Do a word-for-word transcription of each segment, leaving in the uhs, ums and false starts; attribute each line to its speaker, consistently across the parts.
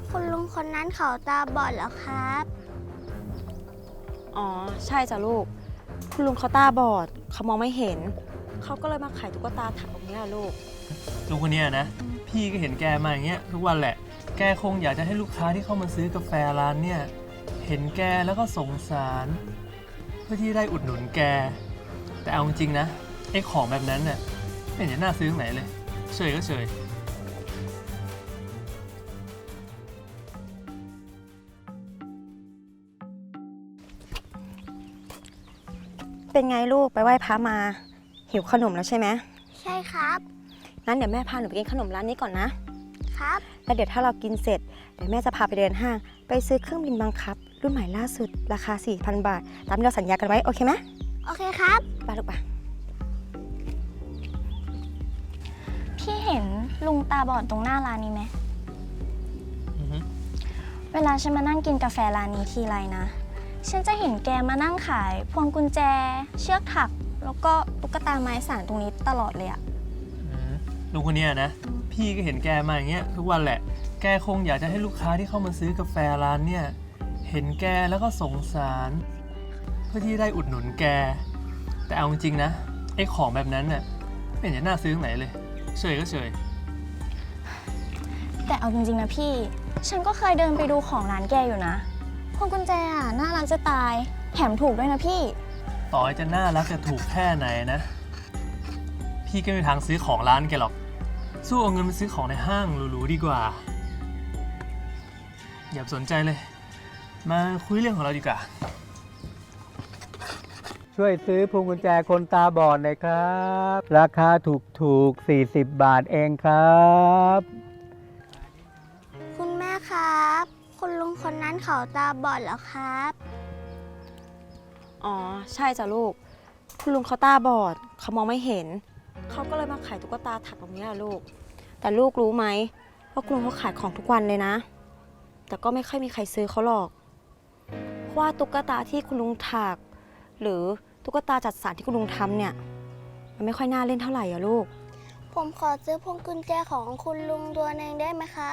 Speaker 1: คุณลุงคนนั้นเขาตาบอดเหรอครับ
Speaker 2: อ๋อใช่จ้ะลูกคุณลุงเขาตาบอดเขามองไม่เห็นเขาก็เลยมาขายตุ๊กตาถักตรงนี้อะลูก
Speaker 3: ลุงคนเนี้ยนะพี่ก็เห็นแกมาอย่างเงี้ยทุกวันแหละแกคงอยากจะให้ลูกค้าที่เข้ามาซื้อกาแฟร้านเนี่ยเห็นแกแล้วก็สงสารเพื่อที่ได้อุดหนุนแกแต่เอาจริงๆนะไอ้ของแบบนั้นเนี่ยไม่เห็นจะน่าซื้อตรงไหนเลยเฉยก็เฉย
Speaker 2: เป็นไงลูกไปไหว้พระมาหิวขนมแล้วใช่ไหม
Speaker 1: ใช่ครับ
Speaker 2: งั้นเดี๋ยวแม่พาหนูไปกินขนมร้านนี้ก่อนนะครับ แล้วเดี๋ยวถ้าเรากินเสร็จเดี๋ยวแม่จะพาไปเดินห้างไปซื้อเครื่องบินบังคับรุ่นใหม่ล่าสุดราคา สี่พัน บาทตามที่เราสัญญากันไว้โอเคไหม
Speaker 1: โอเคครับ
Speaker 2: ไปลูกไป
Speaker 4: พี่เห็นลุงตาบอดตรงหน้าร้านนี้ไหม
Speaker 3: อือฮึ
Speaker 4: เวลาฉันมานั่งกินกาแฟร้านนี้ทีไรนะ ฉันจะเห็นแกมานั่งขายพวงกุญแจ เชือกถัก แล้วก็ตุ๊กตาไม้สานตรงนี้ตลอดเลยอะ
Speaker 3: อืมลุงคนเนี้ยนะพี่ก็เห็นแกมาอย่างเงี้ยทุกวันแหละแกคงอยากจะให้ลูกค้าที่เข้ามาซื้อกาแฟร้านเนี่ยเห็นแกแล้วก็สงสารเพื่อที่ได้อุดหนุนแกแต่เอาจริงๆนะไอ้ของแบบนั้นเนี่ยไม่เห็นจะน่าซื้อตรงไหนเลยเฉยก็เฉย
Speaker 4: แต่เอาจริงๆนะพี่ ฉันก็เคยเดินไปดูของร้านแกอยู่นะพวงกุญแจอะน่ารักจะตาย แถมถูกด้วยนะพี่
Speaker 3: ต่อให้จะน่ารักจะถูกแค่ไหนนะ พี่ก็ไม่มีทางซื้อของร้านแกหรอก สู้เอาเงินไปซื้อของในห้างหรูๆดีกว่า อย่าสนใจเลย มาคุยเรื่องของเราดีกว่า
Speaker 5: ช่วยซื้อพวงกุญแจคนตาบอดหน่อยครับ ราคาถูกถูกๆสี่สิบบาทเองครับ
Speaker 1: คุณแม่ครับ คุณลุงคนนั้นเขาตาบอดเหรอครับ
Speaker 2: อ๋อใช่จ้ะลูกคุณลุงเขาตาบอดเขามองไม่เห็นเขาก็เลยมาขายตุ๊กตาถักตรงนี้อะลูกแต่ลูกรู้ไหมว่าคุณลุงเขาขายของทุกวันเลยนะแต่ก็ไม่ค่อยมีใครซื้อเขาหรอกเพราะว่าตุ๊กตาที่คุณลุงถักหรือตุ๊กตาจัดสรรที่คุณลุงทำเนี่ยมันไม่ค่อยน่าเล่นเท่าไหร่อะลูก
Speaker 1: ผมขอซื้อพวงกุญแจของคุณลุงตัวหนึงได้ไหมครับ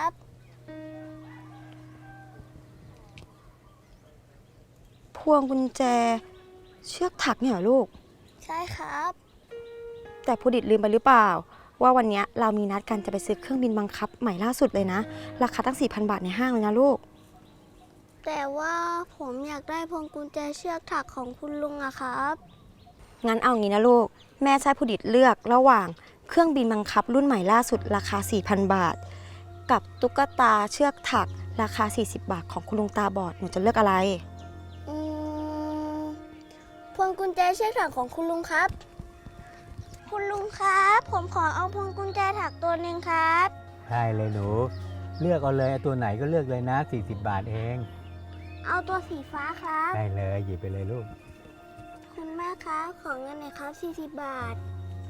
Speaker 2: พวงกุญแจเชือกถักเนี่ยเหรอลูก
Speaker 1: ใช่ครับ
Speaker 2: แต่พูดิตลืมไปหรือเปล่า ว่าวันนี้เรามีนัดกันจะไปซื้อเครื่องบินบังคับใหม่ล่าสุดเลยนะราคาตั้ง สี่พัน บาทในห้างเลยนะลูก
Speaker 1: แต่ว่าผมอยากได้พวงกุญแจเชือกถักของคุณลุงอะครับ
Speaker 2: งั้นเอางี้นะลูกแม่ใช้พูดิตเลือกระหว่างเครื่องบินบังคับรุ่นใหม่ล่าสุดราคา สี่พัน บาท กับตุ๊กตาเชือกถักราคา สี่สิบบาทของคุณลุงตาบอดหนูจะเลือกอะไร
Speaker 1: อืมพวงกุญแจเชือกถักของคุณลุงครับ คุณลุงครับ ผมขอเอาพวงกุญแจถักตัวหนึ่งครับ
Speaker 5: ได้เลยหนู เลือกเอาเลยเอาตัวไหนก็เลือกเลยนะ สี่สิบบาทเอง
Speaker 1: เอาตัวสีฟ้าครับ
Speaker 5: ได้เลยหยิบไปเลยลูก
Speaker 1: คุณแม่ครับ ขอเงินหน่อยครับ สี่สิบบาท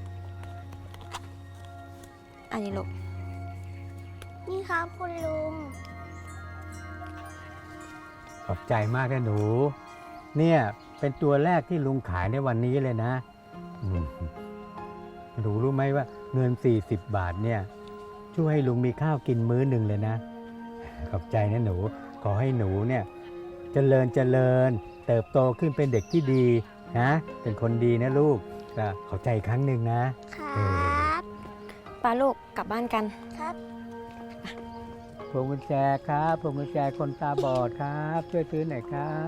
Speaker 2: อันนี้ลูก
Speaker 1: นี่ครับคุณลุง
Speaker 5: ขอบใจมากนะหนู เนี่ยเป็นตัวแรกที่ลุงขายในวันนี้เลยนะอืมหนูรู้ไหมว่าเงิน สี่สิบบาทเนี่ยช่วยให้ลุงมีข้าวกินมื้อหนึ่งเลยนะ ขอบใจนะหนู ขอให้หนูเนี่ยเจริญเจริญ เติบโตขึ้นเป็นเด็กที่ดีนะ เป็นคนดีนะลูกก็ขอบใจอีกครั้งหนึ่งนะ
Speaker 1: ครับ
Speaker 2: ป้าลูกกลับบ้านกัน
Speaker 1: ครับ
Speaker 5: พวงกุญแจครับพวงกุญแจคนตาบอดครับ ช่วยซื้อหน่อยครับ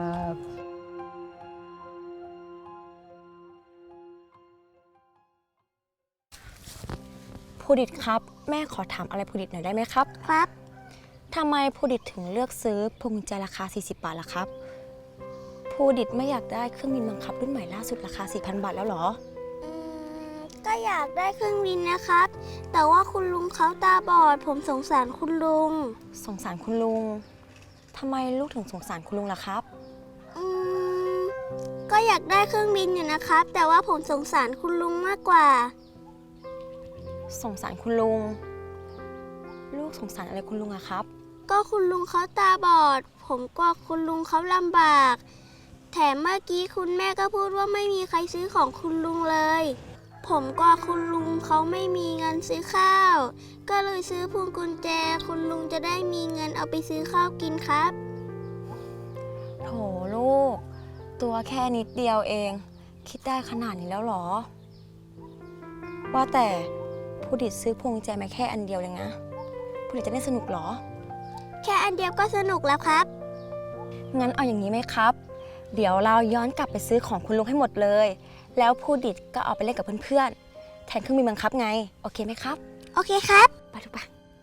Speaker 2: พูดิตครับแม่ขอถามอะไรพูดิตหน่อยได้ไหมครับ
Speaker 1: ครับ
Speaker 2: ทำไมพูดิตถึงเลือกซื้อพวงกุญแจราคา สี่สิบบาทล่ะครับพูดิตไม่อยากได้เครื่องบินบังคับรุ่นใหม่ล่าสุดราคา สี่พัน บาทแล้วเหรอ
Speaker 1: อืมก็อยากได้เครื่องบินนะครับ แต่ว่าคุณลุงเขาตาบอด ผมสงสารคุณลุง
Speaker 2: สงสารคุณลุงทำไมลูกถึงสงสารคุณลุงล่ะครับ
Speaker 1: อืมก็อยากได้เครื่องบินอยู่นะครับ แต่ว่าผมสงสารคุณลุงมากกว่า
Speaker 2: สงสารคุณลุง ลูกสงสารอะไรคุณลุงอะครับ
Speaker 1: ก็คุณลุงเขาตาบอด ผมกลัวคุณลุงเขาลำบาก แถมเมื่อกี้คุณแม่ก็พูดว่าไม่มีใครซื้อของคุณลุงเลยผมก็คุณลุงเขาไม่มีเงินซื้อข้าว ก็เลยซื้อพวงกุญแจ คุณลุงจะได้มีเงินเอาไปซื้อข้าวกินครับ
Speaker 2: โถลูก ตัวแค่นิดเดียวเอง คิดได้ขนาดนี้แล้วเหรอ ว่าแต่ผู้ดิดซื้อพวงกุญแจมาแค่อันเดียวเลยนะผู้ดิดจะได้สนุกเหรอ
Speaker 1: แค่อันเดียวก็สนุกแล้วครับ
Speaker 2: งั้นเอาอย่างนี้ไหมครับ เดี๋ยวเราย้อนกลับไปซื้อของคุณลุงให้หมดเลย แล้วผู้ดิดก็เอาไปเล่นกับเพื่อนๆ แทนเครื่องบินบังคับไง โอเคไหมครับ
Speaker 1: โอเคครับ
Speaker 2: ไปทุกปะ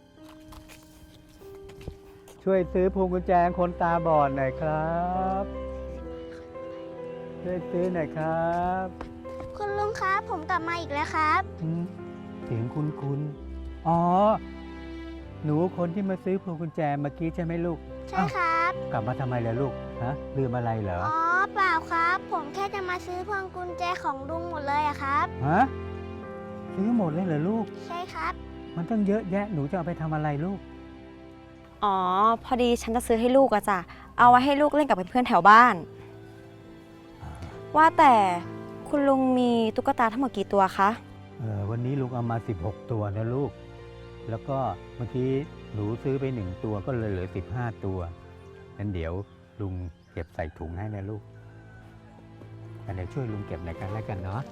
Speaker 5: ช่วยซื้อพวงกุญแจคนตาบอดหน่อยครับ ช่วยซื้อหน่อยครับ
Speaker 1: คุณลุงครับ ผมกลับมาอีกแล้วครับ
Speaker 5: อืมเสียงคุณคุณอ๋อ หนูคนที่มาซื้อพวงกุญแจเมื่อกี้ใช่ไหมลูก
Speaker 1: ใช่ครับ
Speaker 5: กลับมาทำไมล่ะลูก ฮะ ลืมอะไรเหรอ
Speaker 1: อ๋อ เปล่าครับ ผมแค่จะมาซื้อพวงกุญแจของลุงหมดเลยอะครับ
Speaker 5: ฮะ ซื้อหมดเลยเหรอลูก
Speaker 1: ใช่ครับ
Speaker 5: มันต้องเยอะแยะ หนูจะเอาไปทำอะไรลูก
Speaker 2: อ๋อ พอดีฉันจะซื้อให้ลูกอะจ้ะ เอาไว้ให้ลูกเล่นกับเพื่อนๆแถวบ้าน ว่าแต่คุณลุงมีตุ๊กตาทั้งหมดกี่ตัวคะ
Speaker 5: เออวันนี้ลุงเอามา สิบหก ตัวนะลูก แล้วก็เมื่อกี้หนูซื้อไปหนึ่งตัวก็เลยเหลือ สิบห้า ตัวงั้นเดี๋ยวลุงเก็บใส่ถุงให้นะลูกอันเดี๋ยวช่วยลุงเก็บหน่อยกันแล้วกันเนาะ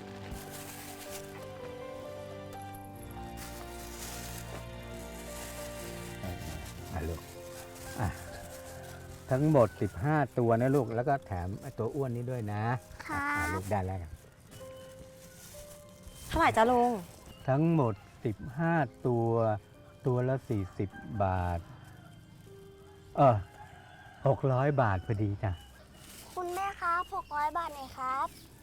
Speaker 5: อ่ะลูกอ่ะทั้งหมด สิบห้า ตัวนะลูก แล้วก็แถมไอ้ตัวอ้วนนี้ด้วยนะครับ อ่ะลูกได้แล้วกัน
Speaker 2: เท่าไหร่จ้าลุง
Speaker 5: ทั้งหมด สิบห้า ตัว ตัวละ สี่สิบ บาท เออหกร้อย บาทพอดีจ้ะ
Speaker 1: คุณแม่ครับหกร้อยบาทหน่อยครับ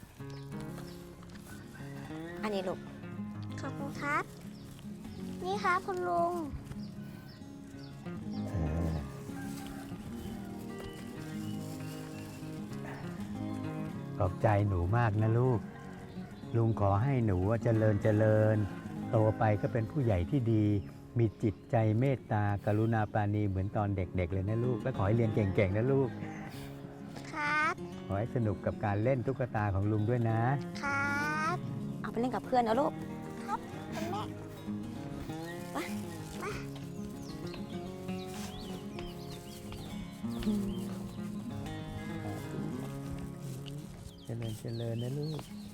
Speaker 2: อันนี้ลูก
Speaker 1: ขอบคุณครับ นี่ครับคุณลุง
Speaker 5: เออขอบใจหนูมากนะลูก ลุงขอให้หนูเจริญเจริญ โตไปก็เป็นผู้ใหญ่ที่ดี มีจิตใจเมตตากรุณาปราณีเหมือนตอนเด็กๆเลยนะลูก และขอให้เรียนเก่งๆนะลูก
Speaker 1: ครับ
Speaker 5: ขอให้สนุกกับการเล่นตุ๊กตาของลุงด้วยนะ
Speaker 1: ครับ
Speaker 2: เอาไปเล่นกับเพื่อนนะลูก
Speaker 1: คุณแม่
Speaker 5: เจริญเจริญนะลูก